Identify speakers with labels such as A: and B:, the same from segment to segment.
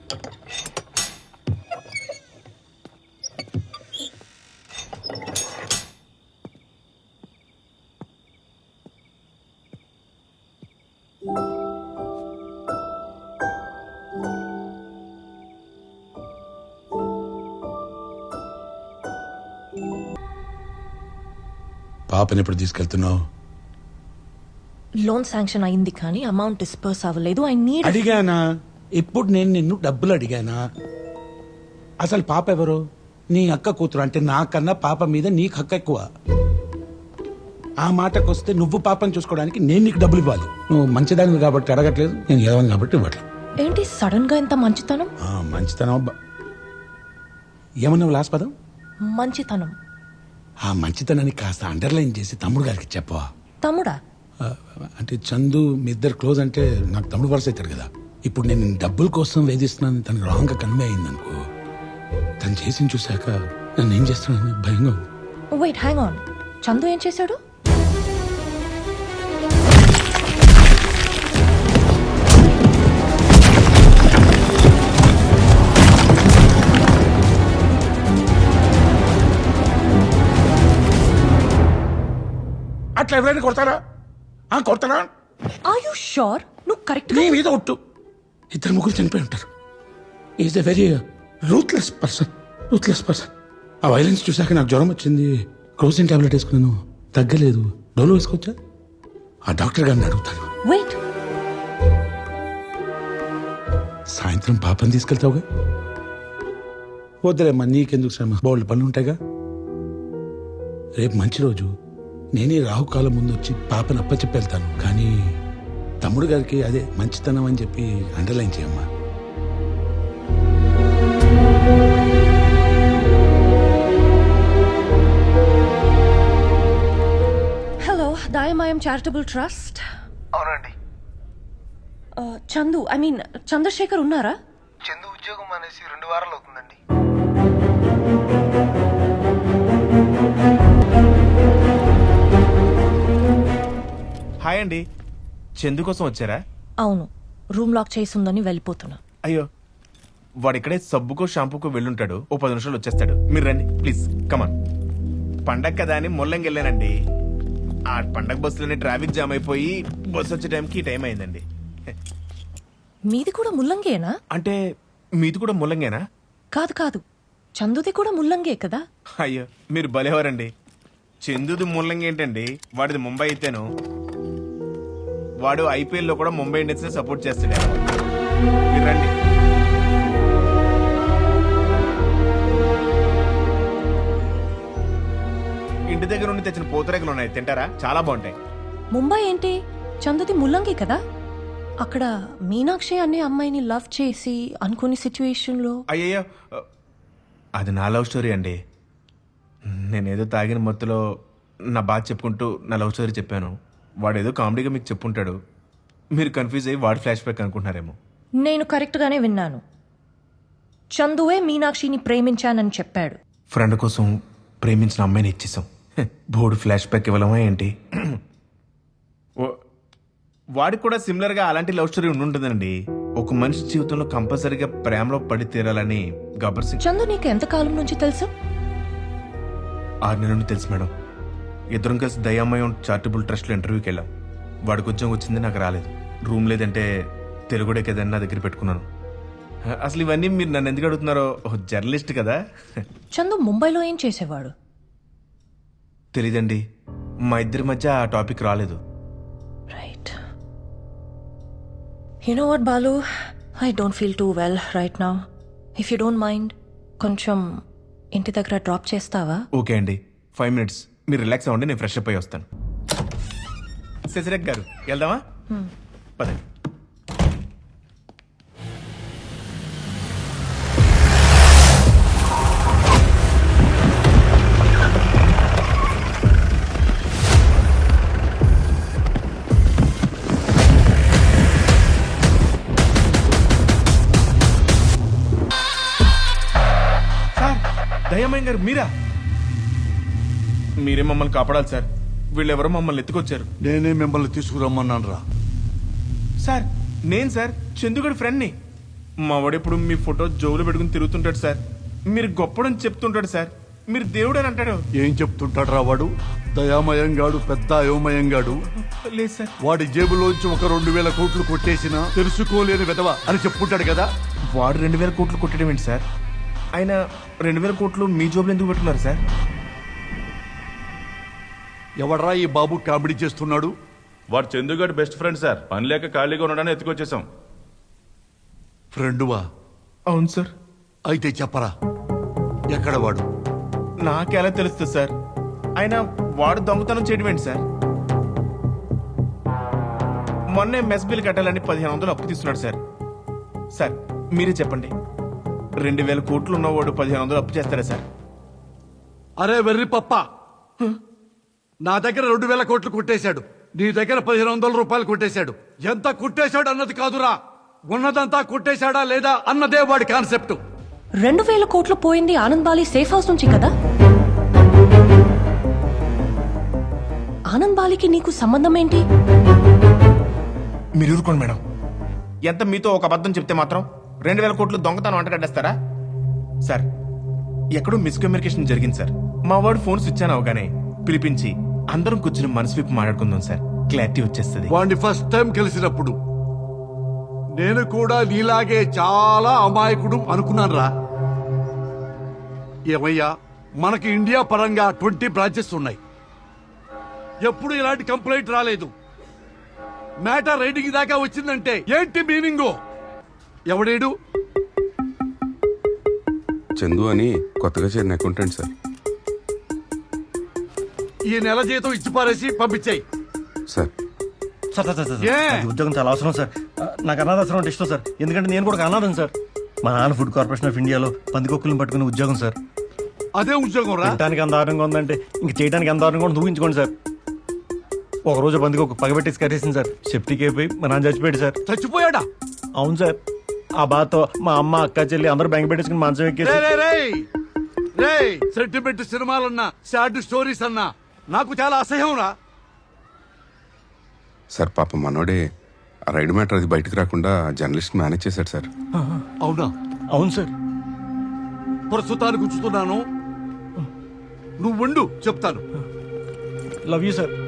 A: పాపని ఎప్పుడు తీసుకెళ్తున్నావు?
B: Loan sanction అయింది కానీ అమౌంట్ డిస్పర్స్ అవ్వలేదు. I need.
A: అడిగానా? ఇప్పుడు నేను నిన్ను డబ్బులు అడిగానా? అసలు పాప ఎవరు? నీ అక్క కూతురు. అంటే నాకన్నా పాప మీద నీకు హక్కు ఎక్కువ. ఆ మాటకు వస్తే నువ్వు పాపని చూసుకోవడానికి నేను నీకు డబ్బులు ఇవ్వాలి. నువ్వు మంచిదాన్ని కాబట్టి అడగట్లేదు, నేను ఏమని కాబట్టి ఇవ్వట్లేదు.
B: ఏంటి సడన్ గా ఇంత మంచితనం?
A: మంచితనం అబ్బా. ఏమన్నావు లాస్ట్ పదం?
B: మంచితనం.
A: ఆ మంచితనాన్ని కాస్త అండర్లైన్ చేసి తమ్ముడు గారికి చెప్పవా?
B: తమ్ముడా?
A: అంటే చందు మీ ఇద్దరు క్లోజ్ అంటే నాకు తమ్ముడు వరుస అవుతాడు కదా. ఇప్పుడు నేను డబ్బుల కోసం వేధిస్తున్నాను తనకు రాంగ్ గా కన్వే అయిందనుకో, తను చేసి చూశాక నన్ను ఏం చేస్తున్నాను భయంగా ఉంది.
B: Wait, hang on. చందు ఏం చేశాడు?
A: అట్లా ఎవరైనా కొడతారా? కొడతారా?
B: Are you sure? నువ్వు కరెక్ట్
A: నీ మీద ఒట్టు. ఇద్దరు ముగ్గురు చనిపోయి ఉంటారు. Is a very ruthless person. ఆ వైలెన్స్ చూశాక నాకు జ్వరం వచ్చింది. క్రోసిన్ టాబ్లెట్ వేసుకున్నాను, తగ్గలేదు. డోలో వేసుకోవచ్చా? ఆ డాక్టర్ గారిని అడుగుతాను.
B: వెయిట్,
A: సాయంత్రం పాపని తీసుకెళ్తావుగా? వద్దులేమ్మా, నీకెందుకు శ్రమ, బోల్డ్ పనులు ఉంటాయిగా. రేపు మంచి రోజు, నేనే రాహుకాలం ముందు వచ్చి పాపను అప్పచెప్పి వెళ్తాను. కానీ తమ్ముడు గారికి అదే మంచితనం అని చెప్పి అండర్లైన్ చేయమ్మా.
B: హలో, దాయమాయం చారిటబుల్ ట్రస్ట్.
C: అవునండి.
B: చందు, ఐ మీన్ చంద్రశేఖర్ ఉన్నారా?
C: చందు ఉద్యోగం అనేసి 2 వారాలు అవుతుందండి.
D: హాయ్ అండి, చందు కోసం వచ్చారా?
B: అవును, రూమ్ లాక్ చేసి ఉందని వెళ్ళిపోతున్నా.
D: అయ్యో, వాడు ఇక్కడే సబ్బుకో షాంపూకో వెళ్ళుంటాడు. ఓ 10 నిమిషాలు వచ్చేస్తాడు. మీరు రండి ప్లీజ్, కమాన్. పండగ కదా అని ముల్లంగి వెళ్ళానండి. ఆ పండగ బస్సులోనే ట్రాఫిక్ జామ్ అయిపోయి బస్సు వచ్చే టైంకి ఈ టైం అయిందండి.
B: మీది కూడా ముల్లంగేనా?
D: అంటే మీది కూడా ముల్లంగేనా?
B: కాదు కాదు, చందుది కూడా ముల్లంగే కదా.
D: అయ్యో, మీరు భలేవారండి. చందుది ముల్లంగి ఏంటండి, వాడిది ముంబై అయితేను. వాడు IPL లో కూడా ముంబై ఇండియన్స్ సపోర్ట్ చేస్తాడు. మీరు రండి. ఇంటి దగ్గర నుండి తెచ్చిన పూతరేకులు ఉన్నాయి, తింటారా? చాలా బాగుంటాయి.
B: ముంబై ఏంటి, చందుది ముల్లంగి కదా. అక్కడ మీనాక్షి అనే అమ్మాయిని లవ్ చేసి అనుకునే సిచ్యువేషన్ లో.
D: అయ్యయ్యో, అది నా లవ్ స్టోరీ అండి. నేనేదో తాగిన మత్తులో నా బాధ చెప్పుకుంటూ నా లవ్ స్టోరీ చెప్పాను. వాడేదో కామెడీగా మీకు చెప్పుంటాడు. మీరు కన్ఫ్యూజ్ అయ్యి వాడు ఫ్లాష్ బ్యాక్ అనుకుంటున్నారేమో.
B: నేను కరెక్ట్ గానే విన్నాను. చందువే మీనాక్షిని ప్రేమించానని చెప్పాడు.
D: ఫ్రెండ్ కోసం ప్రేమించిన అమ్మాయిని ఇచ్చేసాం. బోర్డు ఫ్లాష్ బ్యాక్ ఇవ్వలేమా ఏంటి? వాడికి కూడా సిమిలర్ గా అలాంటి లవ్ స్టోరీ ఉంటుందండి. ఒక మనిషి జీవితంలో కంపల్సరీగా ప్రేమలో పడి తీరాలని గబ్బర్ సింగ్.
B: చందు నీకు ఎంత కాలం నుంచి తెలుసు?
D: 6 నెలల నుండి తెలుసు మేడం. ఇద్దరం కలిసి దయామయం చారిటబుల్ ట్రస్ట్ లో ఇంటర్వ్యూకి వెళ్ళాం. వాడికి ఉద్యోగం వచ్చింది, నాకు రాలేదు. రూమ్ లేదంటే తెలుగుడే కదని నా దగ్గర పెట్టుకున్నాను. అసలు ఇవన్నీ మీరు నన్ను ఎందుకు అడుగుతున్నారో, జర్నలిస్ట్ కదా.
B: చందు ముంబైలో ఏం చేసేవాడు?
D: తెలీదండి, మా ఇద్దరి మధ్య ఆ టాపిక్ రాలేదు.
B: Right. You know what Balu, I don't feel too well right now. If you don't mind కొంచెం ఇంటి దగ్గర డ్రాప్ చేస్తావా?
D: ఓకే అండి, 5 minutes మీరు రిలాక్స్ అవ్వండి, నేను ఫ్రెష్ అప్ అయ్యి వస్తాను. శశిరేఖ్ గారు వెళ్దామా? పదండి. దయామయ్య గారు మీరా? మీరే మమ్మల్ని కాపాడాలి సార్. వీళ్ళెవరో మమ్మల్ని ఎత్తుకొచ్చారు.
E: నేనే మిమ్మల్ని తీసుకురమ్మన్నాను రా.
D: సార్, నేను సార్ చందుగడి ఫ్రెండ్ని. మా వాడు ఎప్పుడు మీ ఫోటో జోబులో పెట్టుకుని తిరుగుతుంటాడు సార్. మీరు గొప్పడని చెప్తుంటాడు సార్. మీరు దేవుడు అని అంటాడు.
E: ఏం చెప్తుంటాడు రా వాడు? దయామయంగాడు, పెద్ద అయోమయంగాడు.
D: లేదు సార్.
E: వాడి జేబులోంచి ఒక 2,000 కోట్లు కొట్టేసినా తెలుసుకోలేని విధవ అని చెప్పుకుంటాడు కదా.
D: వాడు 2,000 కోట్లు కొట్టడం ఏంటి సార్? ఆయన 2,000 కోట్లు మీ జోబులు ఎందుకు పెట్టుకున్నారు సార్?
E: ఎవడ్రా ఈ బాబు కామెడీ చేస్తున్నాడు?
F: వాడు చందుగాడు బెస్ట్ ఫ్రెండ్ సార్. పని లేక ఖాళీగా ఉండడానికి ఎత్తుకొచ్చేసాం.
E: ఫ్రెండువా?
D: అవును సార్.
E: అయితే చెప్పరా, ఎక్కడ వాడు?
D: నాకెలా తెలుస్తుంది సార్? ఆయన వాడు దొంగతనం చేయడం ఏంటి సార్? మొన్నే మెస్ బిల్ కట్టాలని 1,500 అప్పు తీసుకున్నాడు సార్. సార్ మీరే చెప్పండి, 2,000 కోట్లు ఉన్నవాడు 1,500 అప్పు చేస్తారా సార్?
E: అరే వెర్రి పప్ప, నా దగ్గర 2,000 కోట్లు కొట్టేశాడు, నీ దగ్గర 1,500 రూపాయలు కొట్టేశాడు. ఎంత కొట్టేశాడు అన్నది కాదురా, ఉన్నదంతా కొట్టేశాడా లేదా అన్నదే వాడి కాన్సెప్ట్.
B: 2,000 కోట్లు పోయింది ఆనంద్ బాలి సేఫ్ హౌస్ నుంచి కదా? ఆనంద్ బాలికి నీకు సంబంధం ఏంటి?
D: మీరు ఊరుకోండి మేడం. ఎంత మీతో ఒక అబద్ధం చెప్తే మాత్రం 2,000 కోట్లు దొంగతనం అంటగడ్డేస్తారా సార్? ఎక్కడో మిస్కమ్యూనికేషన్ జరిగింది సార్. మా వాడు ఫోన్ స్విచ్ ఆన్ అవగానే పిలిపించి అందరం కూర్చుని మనసు విప్పి మాట్లాడుకుందాం సార్, క్లారిటీ వచ్చేస్తుంది.
E: వాడిని ఫస్ట్ టైం కలిసినప్పుడు నేను కూడా నీలాగే చాలా అమాయకుడు అనుకున్నాను రా. ఏమయ్యా, మనకి ఇండియా పరంగా 20 బ్రాంచెస్ ఉన్నాయి. ఎప్పుడు ఇలాంటి కంప్లైంట్ రాలేదు. మ్యాటర్ రైడింగ్ దాకా వచ్చిందంటే ఏంటి మీనింగు? ఎవడేడు?
G: చందు అని కొత్తగా చేరిన అకౌంటెంట్ సార్.
E: ఈ నెల జీతం ఇచ్చి పారేసి పంపించాయి
G: sir
H: sir sir sir sir
E: ఏ?
H: నాకు ఈ ఉద్యోగం చాలా అవసరం సార్. నాకు అనాథాశ్రమం అంటే ఇష్టం సార్. ఎందుకంటే నేను కూడా ఒక అనాథం సార్. మా నాన్న ఫుడ్ కార్పొరేషన్ ఆఫ్ ఇండియాలో పందికొక్కులను పట్టుకునే ఉద్యోగం సార్.
E: అదే ఉద్యోగం రా.
H: తినడానికి ఎంత దారుణంగా ఉందంటే ఇంక చేయడానికి ఎంత దారుణంగా ఉందో ఊహించుకోండి సార్. ఒక రోజు పందికొక్కు పగబెట్టేసి కట్టేసింది సార్. సేఫ్టీకి అయిపోయి మా నాన్న చచ్చిపోయాడు సార్.
E: చచ్చిపోయాడా?
H: అవును సార్. ఆ బాధతో మా అమ్మ, అక్క, చెల్లి అందరూ బ్యాంక్ పెట్టేసుకుని మంచం ఎక్కేసి
E: సెంటిమెంట్ సినిమాలన్నా, సాడ్ స్టోరీస్ అన్నా నాకు చాలా అసహ్యం రా.
G: సార్ పాప మనోడే ఆ రైడ్ మ్యాటర్ అది బయటకు రాకుండా జర్నలిస్ట్ మేనేజ్ చేశాడు సార్.
E: అవునా?
H: అవును సార్.
E: ప్రస్తుతానికి ఉంచుతున్నాను, నువ్వు ఉండు, చెప్తాను.
H: Love you sir.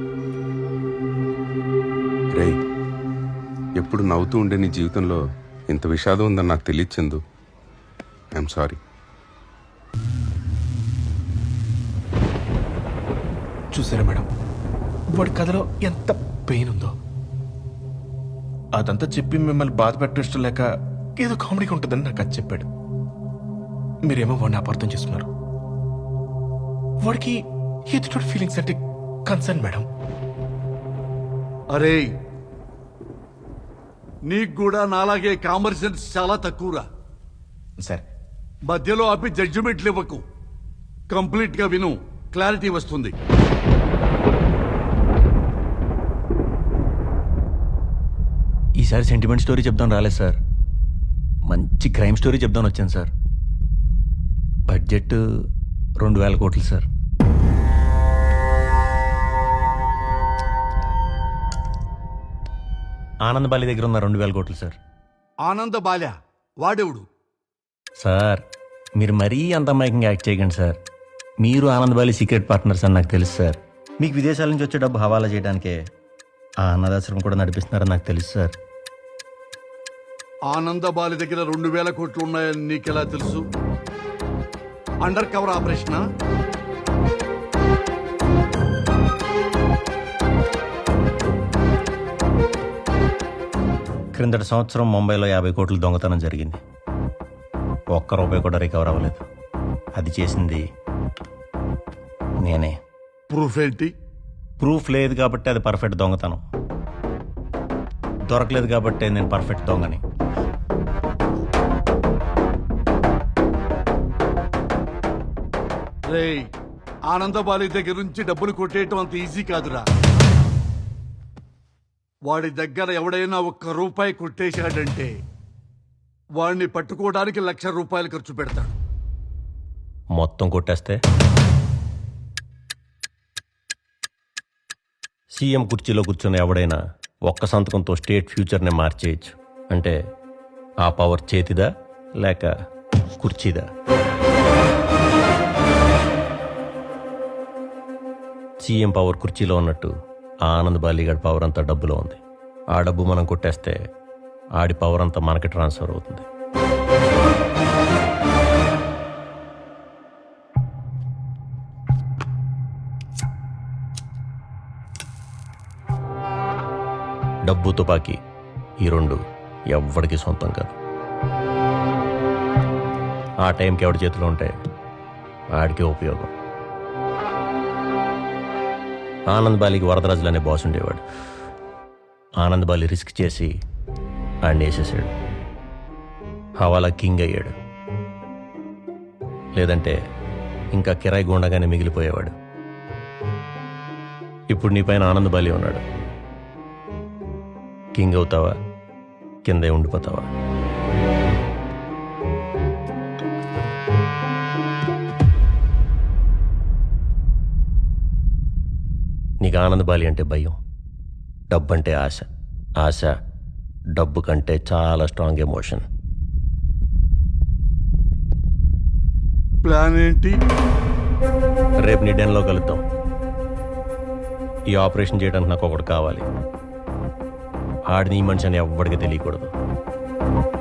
G: రేయ్, ఎప్పుడు నవ్వుతూ ఉండే నీ జీవితంలో ఇంత విషాదం ఉందని నాకు తెలియదు చందు. I'm sorry.
D: చూసారా మేడం, వాడి కథలో ఎంత పెయిన్ ఉందో. అదంతా చెప్పి మిమ్మల్ని బాధ పెట్టడం ఇష్టం లేక ఏదో కామెడీగా ఉంటుందని నాకు అది చెప్పాడు. మీరేమో వాడిని అపార్థం చేసుకున్నారు. వాడికి ఎదుటి ఫీలింగ్స్ అంటే కన్సర్న్ మేడం.
E: అరే, నీకు కూడా నాలాగే కామన్ సెన్స్ చాలా తక్కువరా.
D: సార్
E: మధ్యలో ఆపి జడ్జిమెంట్లు ఇవ్వకు. కంప్లీట్ గా విను, క్లారిటీ వస్తుంది.
H: ఈసారి సెంటిమెంట్ స్టోరీ చెప్దాం రాలేదు సార్. మంచి క్రైమ్ స్టోరీ చెప్దాం వచ్చాను సార్. బడ్జెట్ 2,000 కోట్లు సార్. ఆనంద్ బాలి దగ్గర ఉన్న 2,000 కోట్లు సార్.
E: ఆనంద బాల్య వాడెవడు?
H: సార్ మీరు మరీ అంత అమాయకంగా యాక్ట్ చేయకండి సార్. మీరు ఆనంద్ బాలి సీక్రెట్ పార్ట్నర్స్ అని నాకు తెలుసు సార్. మీకు విదేశాల నుంచి వచ్చే డబ్బు హవాలా చేయడానికే ఆ అన్నదాశ్రమం కూడా నడిపిస్తున్నారని నాకు తెలుసు సార్.
E: ఆనంద బాలి దగ్గర 2,000 కోట్లు ఉన్నాయని నీకెలా తెలుసు? అండర్ కవర్ ఆపరేషనా?
H: క్రిందటి సంవత్సరం ముంబైలో 50 కోట్లు దొంగతనం జరిగింది. ఒక్క రూపాయి కూడా రికవర్ అవ్వలేదు. అది చేసింది నేనే.
E: ప్రూఫ్ ఏంటి?
H: ప్రూఫ్ లేదు కాబట్టి అది పర్ఫెక్ట్ దొంగతనం. దొరకలేదు కాబట్టి నేను పర్ఫెక్ట్ దొంగని.
E: రేయ్, ఆనందబాలి దగ్గర నుంచి డబ్బులు కొట్టేయటం అంత ఈజీ కాదురా. వాడి దగ్గర ఎవడైనా 1 రూపాయి కొట్టేశాడంటే వాడిని పట్టుకోవడానికి 1,00,000 రూపాయలు ఖర్చు పెడతాడు.
H: మొత్తం కొట్టేస్తే సీఎం కుర్చీలో కూర్చున్న ఎవడైనా ఒక్క సంతకంతో స్టేట్ ఫ్యూచర్ని మార్చేయచ్చు. అంటే ఆ పవర్ చేతిదా లేక కుర్చీదా? సీఎం పవర్ కుర్చీలో ఉన్నట్టు ఆ ఆనంద్ బాలిగాడి పవర్ అంతా డబ్బులో ఉంది. ఆ డబ్బు మనం కొట్టేస్తే ఆడి పవర్ అంతా మనకి ట్రాన్స్ఫర్ అవుతుంది. డబ్బు తుపాకీ ఈ రెండు ఎవ్వడికి సొంతం కాదు. ఆ టైంకి ఎవడి చేతిలో ఉంటే ఆడికే ఉపయోగం. ఆనంద్ బాలికి వరదరాజులు అనే బాస్ ఉండేవాడు. ఆనంద్ బాలి రిస్క్ చేసి ఆడిని వేసేసాడు. హవాలా కింగ్ అయ్యాడు. లేదంటే ఇంకా కిరాయి గుండగానే మిగిలిపోయేవాడు. ఇప్పుడు నీ పైన ఆనంద్ బాలి ఉన్నాడు. కింగ్ అవుతావా, కిందే ఉండిపోతావా? నీకు ఆనంద్ బాలి అంటే భయం, డబ్బు అంటే ఆశ. ఆశ డబ్బు కంటే చాలా స్ట్రాంగ్ ఎమోషన్.
E: ప్లాన్ ఏంటి?
H: రేపు నీ డెన్లో కలుద్దాం. ఈ ఆపరేషన్ చేయడానికి నాకు ఒకటి కావాలి. ఆడిని ఈ మనిషి అని ఎవ్వడికి తెలియకూడదు.